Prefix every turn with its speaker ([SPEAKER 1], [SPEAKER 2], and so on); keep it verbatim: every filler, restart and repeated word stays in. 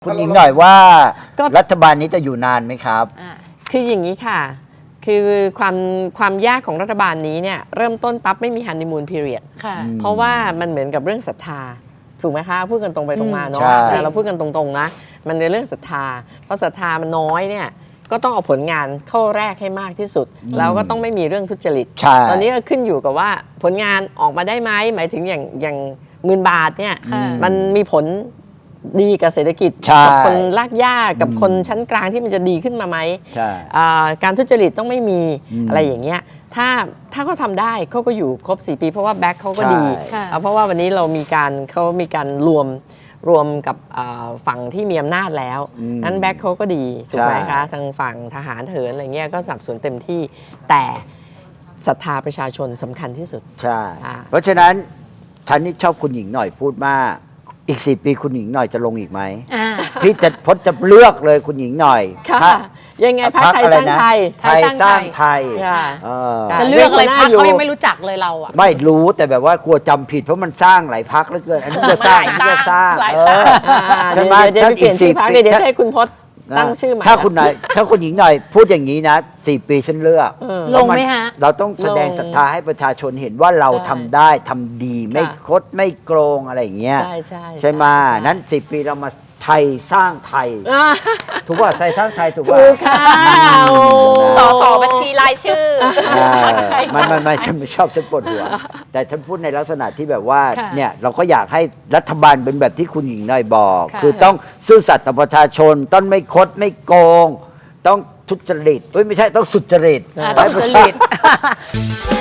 [SPEAKER 1] คุณหญิงหน่อยว่ารัฐบาลนี้จะอยู่นานไหมครับ
[SPEAKER 2] คืออย่างนี้ค่ะคือความความยากของรัฐบาลนี้เนี่ยเริ่มต้นปั๊บไม่มีฮันนีมูนพีเรียดเพราะว่ามันเหมือนกับเรื่องศรัทธาถูกไหมคะพูดกันตรงไปตรงมาเนาะแต่เราพูดกันตรงๆนะมันในเรื่องศรัทธาเพราะศรัทธามันน้อยเนี่ยก็ต้องเอาผลงานเข้าแรกให้มากที่สุดแล้วก็ต้องไม่มีเรื่องทุจริตตอนนี้ก็ขึ้นอยู่กับว่าผลงานออกมาได้ไหมหมายถึงอย่างอย่างหมื่นบาทเนี่ยมันมีผลดีกับเศรษฐกิจกับคนลากย่ากับคนชั้นกลางที่มันจะดีขึ้นมาไหมการทุจริตต้องไม่มีอะไรอย่างเงี้ยถ้าถ้าเขาทำได้เขาก็อยู่ครบสี่ปีเพราะว่าแบ็คเขาก็ดีเพราะว่าวันนี้เรามีการเขามีการรวมรวมกับฝั่งที่มีอำนาจแล้วนั้นแบ็คเขาก็ดีถูกไหมคะทางฝั่งทหารเถินอะไรเงี้ยก็สนับสนุนเต็มที่แต่ศรัทธาประชาชนสำคัญที่สุด
[SPEAKER 1] ใช่เพราะฉะนั้นฉันนี่ชอบคุณหญิงหน่อยพูดมากอีกสี่ปีคุณหญิงหน่อยจะลงอีกไหมพี่จะพจน์จะเลือกเลยคุณหญิงหน่อย
[SPEAKER 2] ค่ะยังไงพรรคไทยสร้างไทย
[SPEAKER 1] ไทยสร้างไทย
[SPEAKER 3] จะเลือกอะไรพรรคเขายังไม่รู้จักเลยเราอ่ะ
[SPEAKER 1] ไม่รู้แต่แบบว่ากลัวจำผิดเพราะมันสร้างหลายพรรคเหลือเกินอันนี้จะสร้างอันนี้จะสร้าง
[SPEAKER 2] ใช่ไหมเดี๋ยวเปลี่ยนชื่อพรรคเดี๋ยวจะให้คุณพจน์ตั้งชื่อใหม่
[SPEAKER 1] ถ้าคุณหน่อยถ้าคุณหญิงหน่อยพูดอย่างนี้นะสี่ปีฉันเลือก
[SPEAKER 3] ลงไหมฮะ
[SPEAKER 1] เราต้องแสดงศรัทธาให้ประชาชนเห็นว่าเราทำได้ทำดีไม่คดไม่โกงอะไรอย่างเงี้ย
[SPEAKER 2] ใช่ใช่
[SPEAKER 1] ใช่ไหมนั้นสี่ปีเรามาไทยสร้างไทยถูกว่าไทยสร้างไทยถูกว่า
[SPEAKER 2] ถูกค่ะ
[SPEAKER 3] สอสอบัญชีรายชื่อ
[SPEAKER 1] ไม่ไม่ไม่ฉันไม่ชอบฉันปวดหัวแต่ฉันพูดในลักษณะที่แบบว่าเนี่ยเราก็อยากให้รัฐบาลเป็นแบบที่คุณหญิงหน่อยบอกคือต้องซื่อสัตย์ต่อประชาชนต้องไม่คดไม่โกงต้องทุจริตไม่ใช่ต้องสุจริต
[SPEAKER 3] ต้องสุจริต